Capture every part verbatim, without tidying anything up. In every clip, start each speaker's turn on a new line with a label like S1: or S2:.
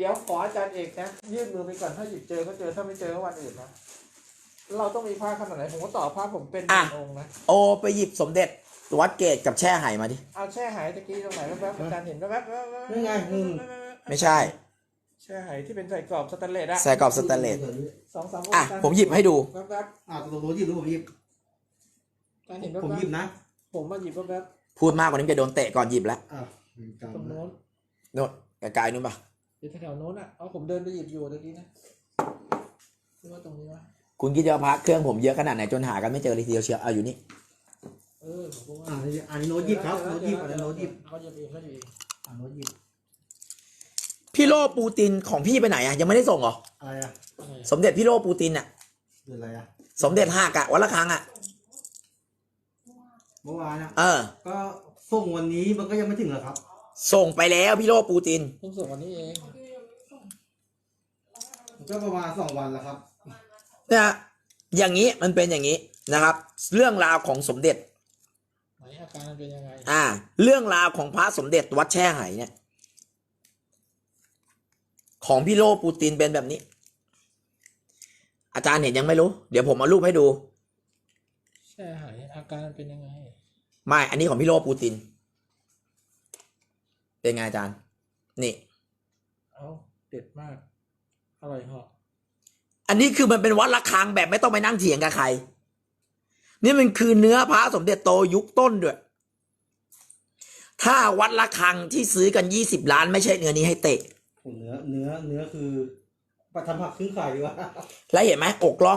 S1: เดี๋ยวขออาจารย์เอกนะยื่นมือไปก่อนถ้าหยิบเจอก็เจอถ้าไม่เจอก็วันอื่นนะเราต้องมีผ้าขนาดไหนผมก็ต่อผ้าผมเป็นหนึ่งองค์นะ
S2: โอไปหยิบสมเด็จวัดเกตกับแช่ไหมาดิ
S1: เอาแช่หายตะกี้ตรงไหนแว๊บๆอาจารย์เห็นแว๊บๆ
S3: นี่ไงอืม
S2: ไม่ใช่
S1: แช่หายที่เป็นใส่กรอบสแตนเลสอะ
S2: ใส่กรอบสแตนเลส
S1: สองสามอง
S2: อ่ะ
S1: ค์
S2: ผมหยิบให้ดู
S1: แว๊บ
S3: อ่าตัวตัวหยิบหรือผมหยิบ
S1: ๆอาจารย์เห็นแว๊บๆ
S3: ผมหยิบนะ
S1: ผมมาหยิบแว๊บ
S2: พูดมากกว่านี้จะโดนเตะก่อนหยิบแล้ว
S3: อ่า
S1: ๆตรงโน้น
S2: โน่นไกลๆนู่นปะ
S1: อยู่แถวๆโน้นอ่ะเอาผมเดินไปหยิบอยู่ตะกี้นะหรือว่าตรงนี้วะ
S2: คุณคิดจะพักเครื่องผมเยอะขนาดไหนจนหากันไม่เจอเลยทีเดียวเชียวเอาอยู่นี่
S1: เออผมก็ว่า
S3: อ่าอันนี้โน้ตหยิบครับโน้ตหยิบอันนี้โน้ตหยิบ
S1: เขาหยิบเองเขาหยิบเอง
S3: อ่าโน้ตหยิบ
S2: พี่โลปูตินของพี่ไปไหนอ่ะยังไม่ได้ส่งเหรอ
S3: อะไรอ่ะ
S1: อะไรอะ
S2: สมเด็จพี่โลปูตินอ่ะ
S3: เดือนอะไรอ่ะ
S2: สมเด็จห้ากะวันละครั้งอ่ะ
S3: เมื่อวานอ่ะ
S2: เออ
S3: ก็ส่งวันนี้มันก็ยังไม่ถึงหรอครับ
S2: ส่งไปแล้วพี่โลปูติน
S1: เพิ่งส่งวันนี้เอง
S3: ก็ประมาณสองวันแล้วครับ
S2: เนี่ยอย่างนี้มันเป็นอย่างนี้นะครับ เรื่องราวของสมเด็จ
S1: ไหนอาการมันเป็นยังไง
S2: อ่า เรื่องราวของพระสมเด็จวัดแช่ไหเนี่ย ของพี่โลปูตินเป็นแบบนี้ อาจารย์เห็นยังไม่รู้ เดี๋ยวผมเอารูปให้ดู
S1: แช่หายอาการมันเป็นยังไง
S2: ไม่ อันนี้ของพี่โลปูติน เป็นไงอาจารย์ นี่
S1: เอาเด็ดมากอร่อยเหาะ
S2: อันนี้คือมันเป็นวัดระฆังแบบไม่ต้องไปนั่งเถียงกับใคร นี่มันคือเนื้อพระสมเด็จโตยุคต้นด้วย ถ้าวัดระฆังที่ซื้อกันยี่สิบล้านไม่ใช่เนื้อนี้ให้เตะ
S3: เนื้อเนื้อเนื้อคือประทำผักครึ่งไข่ดีกว่า
S2: แล้วเห็นไหมอกล่อง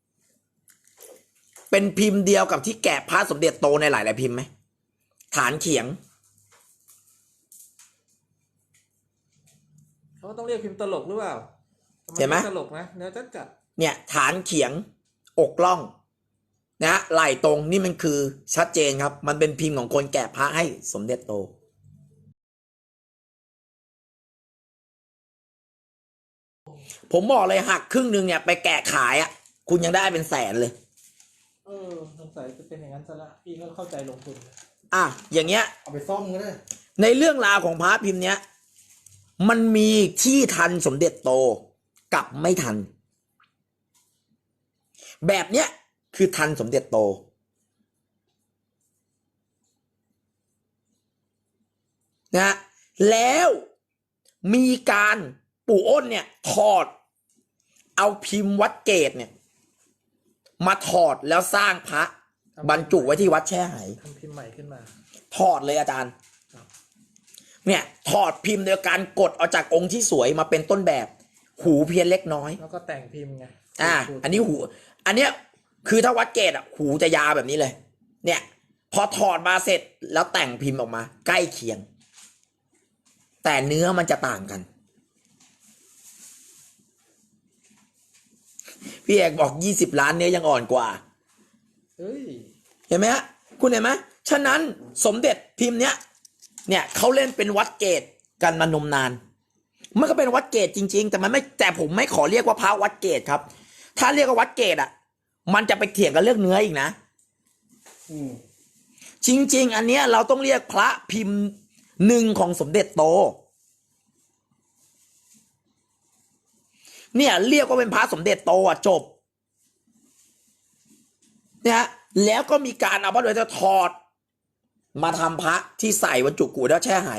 S2: เป็นพิมพ์เดียวกับที่แกะพระสมเด็จโตในหลายๆพิมพ์ไหมฐานเขียง
S1: เขาต้องเรียกพิมพ์ตลกหรือเปล่า
S2: เห็นไหม
S1: ตลกนะเนื้อจัดจัด
S2: เนี่ยฐานเขียง อกล่องนะฮะไหล่ตรงนี่มันคือชัดเจนครับ มันเป็นพิมพ์ของคนแกะพระให้สมเด็จโต ผมบอกเลยหักครึ่งหนึ่งเนี่ยไปแกะขายอ่ะ คุณยังได้เป็นแสนเลย
S1: เออสงสัยจะเป็นอย่างนั้นซะละพี่ก็เข้าใจลงทุน
S2: อ่ะอย่างเงี้ย
S3: เอาไปซ่อมก็ได้
S2: ในเรื่องราวของพระพิมพ์เนี้ยมันมีที่ทันสมเด็จโตกับไม่ทัน แบบเนี้ยคือทันสมเด็จโตนะแล้วมีการปู่อ้นเนี่ยถอดเอาพิมพ์วัดเกตเนี่ยมาถอดแล้วสร้างพระบรรจุไว้ที่วัดแช่ไห
S1: ทำพิมพ์ใหม่ขึ้นมา
S2: ถอดเลยอาจารย์
S1: ครับ
S2: เนี่ยถอดพิมพ์โดยการกดเอาจากองค์ที่สวยมาเป็นต้นแบบ หูเพี้ยนเล็กน้อย
S1: แล้วก็แต่งพิมพ์ไง
S2: อ่า อันนี้หู อันเนี้ยคือถ้าวัดเกตอ่ะหูจะยาวแบบนี้เลย เนี่ย พอถอดมาเสร็จแล้วแต่งพิมพ์ออกมา ใกล้เคียง แต่เนื้อมันจะต่างกัน พี่เอกบอกยี่สิบล้านเนื้อยังอ่อนกว่า
S1: เฮ้ย
S2: เห็นไหมฮะคุณเห็นไหมฉะนั้นสมเด็จพิมพ์เนี้ยเนี่ยเขาเล่นเป็นวัดเกตกันมานมนานมันก็เป็นวัดเกตจริงๆแต่มันไม่แต่ผมไม่ขอเรียกว่าพระวัดเกตครับ ถ้าเรียกว่าวัดเกตอ่ะมันจะไปเถียงกันเรื่องเนื้ออีกนะ
S3: อืม
S2: จริงๆอันเนี้ยเราต้องเรียกพระพิมพ์หนึ่งของสมเด็จโตเนี่ยเรียกว่าเป็นพระสมเด็จโตอ่ะจบเนี่ยแล้วก็มีการเอาพระโดยจะถอดมาทำพระที่ใส่บรรจุกูแล้วแช่ไห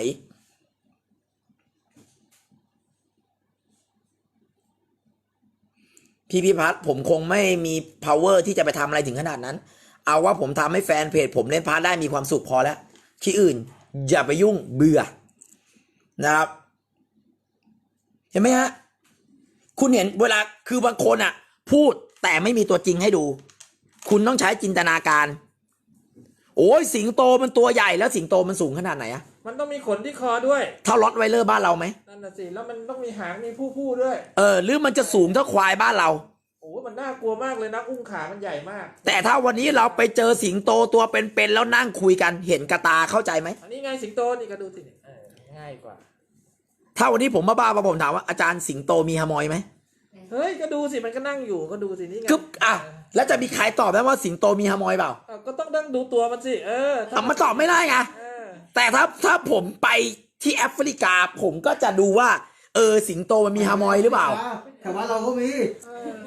S2: พี่พิพัฒน์ผมคงไม่มี power ที่จะไปทำอะไรถึงขนาดนั้นเอาว่าผมทำให้แฟนเพจผมเล่นพระได้มีความสุขพอแล้วที่อื่นอย่าไปยุ่งเบื่อนะครับเห็นไหมฮะคุณเห็นเวลาคือบางคนอ่ะพูดแต่ไม่มีตัวจริงให้ดู คุณต้องใช้จินตนาการโอ้ยสิงโตมันตัวใหญ่แล้วสิงโตมันสูงขนาดไหนอะ
S1: มันต้องมีขนที่คอด้วย
S2: เท่าล็อตไวเลอร์บ้านเราไหม
S1: นั่นน่ะสิแล้วมันต้องมีหางมีผู้ผู้ด้วย
S2: เออหรือมันจะสูงเท่าควายบ้านเรา
S1: โอ้มันน่ากลัวมากเลยนะอุ้งขามันใหญ่มาก
S2: แต่ถ้าวันนี้เราไปเจอสิงโตตัวเป็นๆแล้วนั่งคุยกันเห็นกระตาเข้าใจไหม
S1: อันนี้ไงสิงโตนี่ก็ดูสิเออง่ายกว่า
S2: ถ้าวันนี้ผมมาบ้ามาผมถามว่าอาจารย์สิงโตมีฮามอยไหม
S1: เฮ้ยก็ดูสิมันก็นั่งอยู่ก็ดูสินี่ไง
S2: กึ๊บอ่ะแล้วจะมีใครตอบได้ว่าสิงโตมีฮามอยเปล่า
S1: เออก็ต้องนั่งดูตัวมันสิเออถ้า
S2: อ่ะมันตอบไม่ได้ไง
S1: เออ
S2: แต่ถ้าถ้าผมไปที่แอฟริกาผมก็จะดูว่าเออสิงโตมันมีฮามอยหรือเปล่า
S3: แถวบ้านเราก็มี
S1: เออ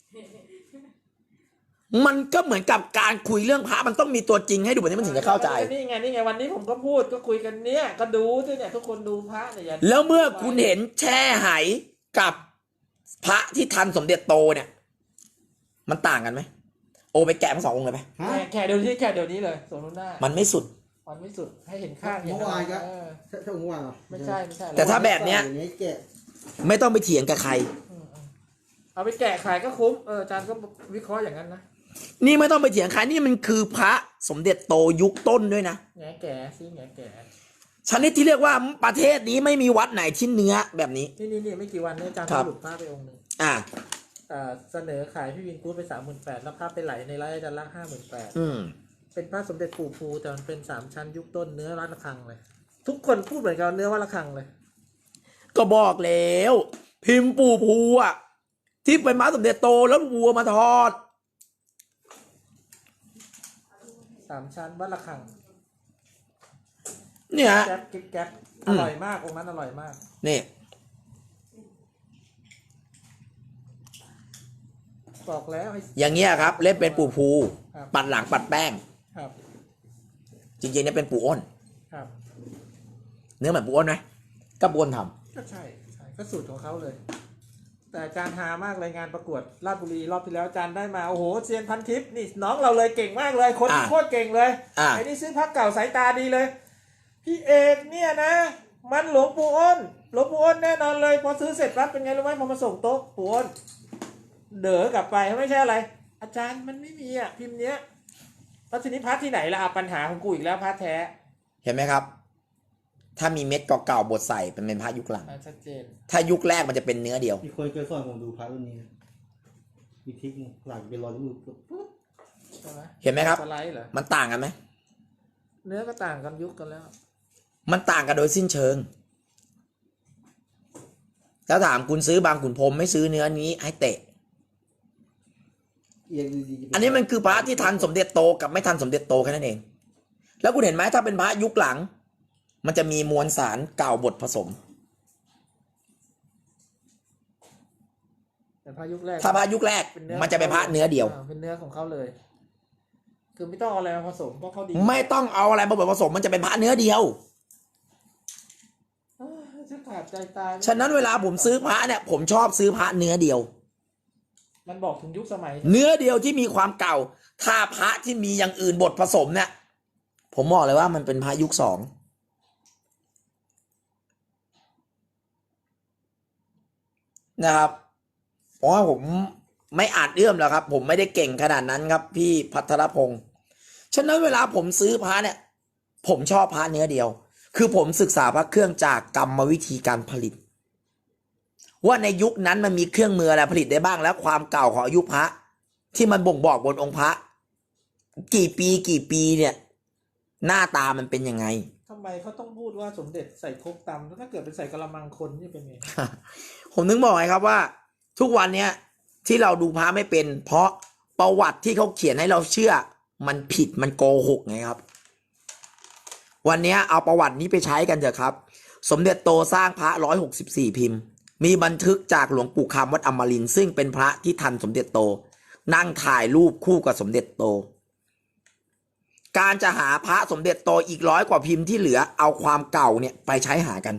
S2: มันก็เหมือนกับการคุยเรื่องพระมันต้องมีตัวจริงให้ดูแบบนี้มันถึงจะเข้าใจ
S1: นี่ไงนี่ไงวันนี้ผมก็พูดก็คุยกันเนี้ยก็ดูด้วยเนี่ยทุกคนดูพระเนี่ยอย่า
S2: แล้วเมื่อคุณเห็นแช่ไหกับพระที่ทันสมเด็จโตเนี่ย มันต่างกันไหมโอไปแกะทั้งสององค์เลยไหม
S3: ฮะ
S1: แค่แค่เดี๋ยวนี้แค่เดี๋ยวนี้เลยสมนุนหน้า
S2: มันไม่สุด
S1: มันไม่สุดให้เห็นข้าง
S3: เมื่อวานก็
S1: เออ
S3: ใช่ใช่เมื่อวานเหรอ
S1: ไม่ใช่ไม่ใช่
S2: แต่ถ้าแบบเนี้ย
S3: อย่างนี้แกะ
S2: ไม่ต้องไปเถียงกับใคร
S1: อืมอืมเอาไปแกะขายก็คุ้มเอออาจารย์ก็วิเคราะห์อย่างนั้นนะ
S2: นี่ไม่ต้องไปเถียงใครนี่มันคือพระสมเด็จโตยุคต้นด้วยนะ
S1: แง่แก่ซิแง่แก่
S2: ชนิดที่เรียกว่าประเทศนี้ไม่มีวัดไหนที่เนื้อแบบนี้
S1: นี่นี่นี่ไม่กี่วันเนี่ยอาจารย์
S2: ครับ
S1: หลุดพระไปองค์หนึ่ง
S2: อ่า
S1: อ่าเสนอขายพี่วินกู๊ดไปสามหมื่นแปดแล้วพระไปไหลในไร่อาจารย์ละห้าหมื่นแปด
S2: อืม
S1: เป็นพระสมเด็จปู่ภูแต่มันเป็นสามชั้นยุคต้นเนื้อวัดระฆังเลย ทุกคนพูดเหมือนกันเนื้อวัดระฆังเลย
S2: ก็บอกแล้ว พิมพ์ปู่ภูอ่ะ ที่เป็นม้าสมเด็จโตแล้ววัวมาทอด
S1: สามชั้นวัดระฆัง
S2: เนี่ยฮะ
S1: แก๊บกิ๊กแก๊บ
S2: อื
S1: อ
S2: ม
S1: ร่อยมากองค์นั้นอร่อยมาก
S2: นี่
S1: บอกแล้วให้
S2: อย่างเงี้ยครับ เล่นเป็นปู่ภู
S1: ครับ
S2: ปัดหลังปัดแป้ง
S1: ครับ
S2: จริงๆเนี่ยเป็นปู่อ้น
S1: ครับ
S2: เนื้อเหมือนปู่อ้นไหมก็ปู่อ้นท
S1: ก็ใช่ใช่ก็สูตรของเขาเลย แต่อาจารย์ฮามากเลยงานประกวดราชบุรีรอบที่แล้วอาจารย์ได้มาโอ้โหเซียนพันทิพย์นี่น้องเราเลยเก่งมากเลยคนที่โคตรเก่งเลย
S2: ำอ่า
S1: ไอ้นี่ซื้อพักเก่าสายตาดีเลย พี่เอกเนี่ยนะ มันหลวงปู่อ้นหลวงปู่อ้นแน่นอนเลย พอซื้อเสร็จปั๊บเป็นไงรู้ไหมพอมาส่งโต๊ะปู่อ้นเด๋อกลับไปไม่ใช่อะไร อาจารย์มันไม่มีอ่ะพิมพ์เนี้ยแล้วทีนี้พัดที่ไหนล่ะอ่ะปัญหาของกูอีกแล้วพัดแท้
S2: เห็นไหมครับ ถ้ามีเม็ดเก่าๆบดใส่เป็นเป็นพระยุคหลัง
S1: อ่ะชัดเจน
S2: ถ้ายุคแรกมันจะเป็นเนื้อเดียว
S3: มีคนเคยสอนผมดูพระรุ่นนี้นะมีทริกหลังเป็นรอยนิ้วมือปุ๊บ
S1: ใช่ไหม
S2: เห็นไหมครับ
S1: สไลด์เหรอ
S2: มันต่างกันไหม
S1: เนื้อก็ต่างกันยุคกันแล้ว
S2: มันต่างกันโดยสิ้นเชิง แล้วถามคุณซื้อบางขุนพรหมไม่ซื้อเนื้อนี้ให้เตะ
S3: เอียงดีๆ
S2: อันนี้มันคือพระที่ทันสมเด็จโตกับไม่ทันสมเด็จโตแค่นั้นเอง แล้วคุณเห็นไหมถ้าเป็นพระยุคหลัง มันจะมีมวลสารเก่าบดผสม
S1: แต่พระยุคแรก
S2: ถ้าพระยุคแรก
S1: เป็นเนื้อ
S2: มันจะเป็นพระเนื้อเดียว
S1: อ่าเป็นเนื้อของเขาเลย คือไม่ต้องเอาอะไรมาผสมเพราะเขาดี
S2: ไม่ต้องเอาอะไรมาบดผสม มันจะเป็นพระเนื้อเดียว
S1: อ้าวฉันขาดใจตาย
S2: ฉะนั้นเวลาผมซื้อพระเนี่ย ผมชอบซื้อพระเนื้อเดียว
S1: มันบอกถึงยุคสมัย
S2: เนื้อเดียวที่มีความเก่า ถ้าพระที่มีอย่างอื่นบดผสมเนี่ย ผมบอกเลยว่ามันเป็นพระยุคสองนะครับ เพราะว่าผมไม่อาจเอื้อมแล้วครับ ผมไม่ได้เก่งขนาดนั้นครับ พี่พัทรพงศ์ฉะนั้นเวลาผมซื้อพระเนี่ย ผมชอบพระเนื้อเดียว คือผมศึกษาพระเครื่องจากกรรมวิธีการผลิต ว่าในยุคนั้นมันมีเครื่องมืออะไรผลิตได้บ้างแล้วความเก่าของอายุพระ ที่มันบ่งบอกบนองค์พระ กี่ปีกี่ปีเนี่ย หน้าตามันเป็นยังไง
S1: ทำไมเขาต้องพูดว่าสมเด็จใส่ครกตำแล้วถ้าเกิดเป็นใส่กะละมังคนนี่เป็นไง
S2: ผมนึกบอกไงครับว่า ทุกวันเนี้ยที่เราดูพระไม่เป็น เพราะประวัติที่เขาเขียนให้เราเชื่อ มันผิดมันโกหกไงครับ วันเนี้ยเอาประวัตินี้ไปใช้กันเถอะครับ สมเด็จโตสร้างพระร้อยหกสิบสี่พิมพ์ มีบันทึกจากหลวงปู่คำวัดอมรินทร์ซึ่งเป็นพระที่ทันสมเด็จโต นั่งถ่ายรูปคู่กับสมเด็จโต การจะหาพระสมเด็จโตอีกร้อยกว่าพิมพ์ที่เหลือเอาความเก่าเนี่ยไปใช้หากัน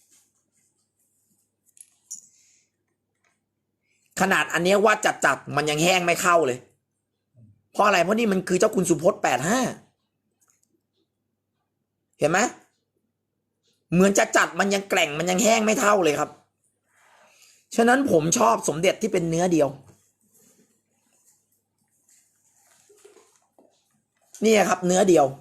S2: ขนาดอันเนี้ยว่าจัดจัดๆมันยังแห้งไม่เข้าเลย เพราะอะไรเพราะนี่มันคือเจ้าคุณสุพจน์แปดห้าเห็นไหมเหมือนจะจัดมันยังแกร่งมันยังแห้งไม่เท่าเลยครับ ฉะนั้นผมชอบสมเด็จที่เป็นเนื้อเดียวนี่ครับ เนื้อเดียว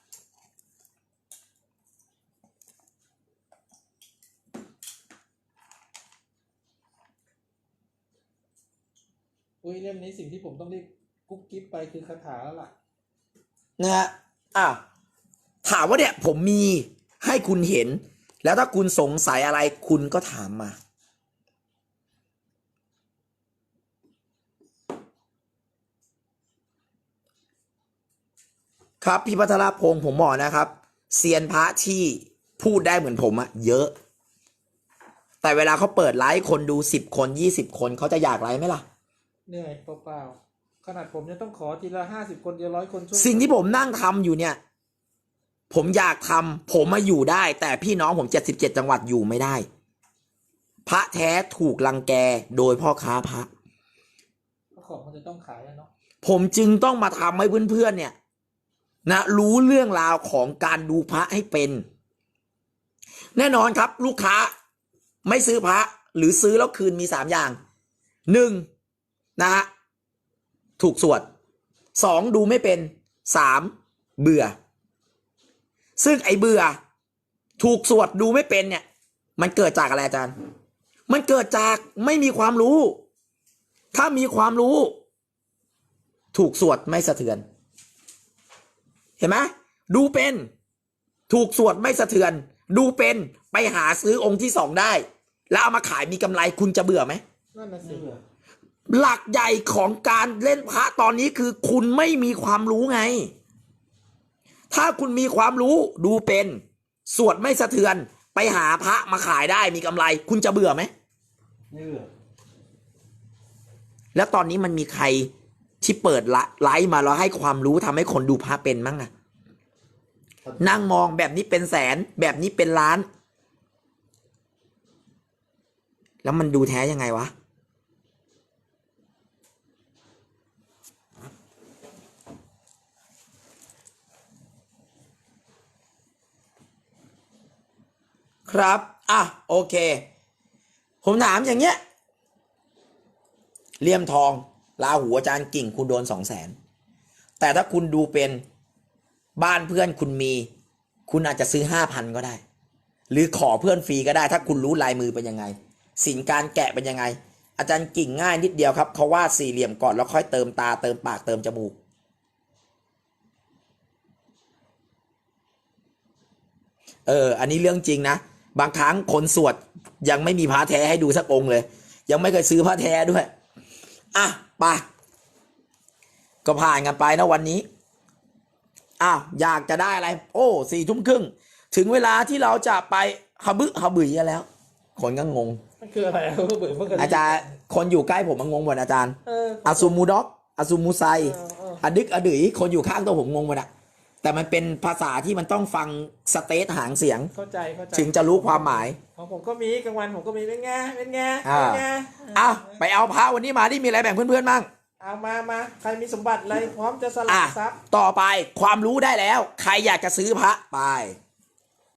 S1: อุ้ยเล่มนี้สิ่งที่ผมต้องรีบกุ๊กกิ๊บไปคือคาถาแล้วล่ะ
S2: นะฮะอ้าวถามว่าเนี่ยผมมีให้คุณเห็น แล้วถ้าคุณสงสัยอะไรคุณก็ถามมา ครับพี่พัทรพงศ์ผมบอกนะครับเซียนพระที่พูดได้เหมือนผมอะเยอะแต่เวลาเขาเปิดไลฟ์คนดูสิบคนยี่สิบคนเขาจะอยากไลฟ์ไหมล่ะ
S1: เหนื่อยเปล่าๆขนาดผมยังต้องขอทีละห้าสิบคนทีละร้อยคนช่วย
S2: สิ่งที่ผมนั่งทำอยู่เนี่ย ผมอยากทำผมมาอยู่ได้ แต่พี่น้องผมเจ็ดสิบเจ็ดจังหวัดอยู่ไม่ได้ พระแท้ถูกรังแกโดยพ่อค้าพระ
S1: ของมันจะต้องขายอะเนาะ
S2: ผมจึงต้องมาทำให้เพื่อนๆเนี่ยนะรู้เรื่องราวของการดูพระให้เป็น แน่นอนครับ ลูกค้าไม่ซื้อพระหรือซื้อแล้วคืนมีสามอย่างหนึ่งนะฮะถูกสวดสองดูไม่เป็นสามเบื่อ ซึ่งไอ้เบื่อถูกสวดดูไม่เป็นเนี่ยมันเกิดจากอะไรอาจารย์ มันเกิดจากไม่มีความรู้ ถ้ามีความรู้ ถูกสวดไม่สะเทือน เห็นไหมดูเป็นถูกสวดไม่สะเทือน ดูเป็นไปหาซื้อองค์ที่สองได้ แล้วเอามาขายมีกำไรคุณจะเบื่อไหม
S1: นั่นน่ะสิ
S3: ไม่เบื่อ
S2: หลักใหญ่ของการเล่นพระตอนนี้คือคุณไม่มีความรู้ไง ถ้าคุณมีความรู้ดูเป็นสวดไม่สะเทือน ไปหาพระมาขายได้มีกำไร คุณจะเบื่อไหม
S3: ไม่เบื่อ
S2: แล้วตอนนี้มันมีใครที่เปิดไลฟ์มาแล้วให้ความรู้ทำให้คนดูพระเป็นมั้งอะนั่งมองแบบนี้เป็นแสนแบบนี้เป็นล้าน แล้วมันดูแท้ยังไงวะ ครับอ่ะโอเค ผมถามอย่างเงี้ยเลี่ยมทองลาหูอาจารย์กิ่งคุณโดนสองแสนแต่ถ้าคุณดูเป็นบ้านเพื่อนคุณมี คุณอาจจะซื้อห้าพันก็ได้ หรือขอเพื่อนฟรีก็ได้ ถ้าคุณรู้ลายมือเป็นยังไงสิ่งการแกะเป็นยังไง อาจารย์กิ่งง่ายนิดเดียวครับเขาวาดสี่เหลี่ยมก่อนแล้วค่อยเติมตาเติมปากเติมจมูกเอออันนี้เรื่องจริงนะบางครั้งคนสวดยังไม่มีพระแท้ให้ดูสักองค์เลยยังไม่เคยซื้อพระแท้ด้วยอ่ะไปก็ผ่านกันไปนะวันนี้อ้าวอยากจะได้อะไรโอ้สี่ทุ่มครึ่งถึงเวลาที่เราจะไปฮะบึฮะบึยกันแล้วคนก็งง
S1: มันคืออะไรอะเบื่อเมื่อกี้
S2: อาจารย์คนอยู่ใกล้ผมมันงงหมดอาจารย์
S1: เออ
S2: อาซูมูด็อกอาซูมูไซ
S1: เออเออ
S2: อดึกอดือยคนอยู่ข้างตัวผมงงหมดอะแต่มันเป็นภาษาที่มันต้องฟังสเตทหางเสียง
S1: เข้าใจเข้าใจ
S2: ถึงจะรู้ความหมาย
S1: ของผมก็มีกลางวันผมก็มีเป็นไงเป็นไง
S2: อ่า
S1: เป็นไง
S2: อ้าวไปเอาพระวันนี้มาที่มีอะไรแบ่งเพื่อนๆบ้าง
S1: เอามามาใครมีสมบัติอะไรพร้อมจะสละ
S2: อ่ะ
S1: ทรัพย์
S2: ต่อไปความรู้ได้แล้ว ใครอยากจะซื้อพระไป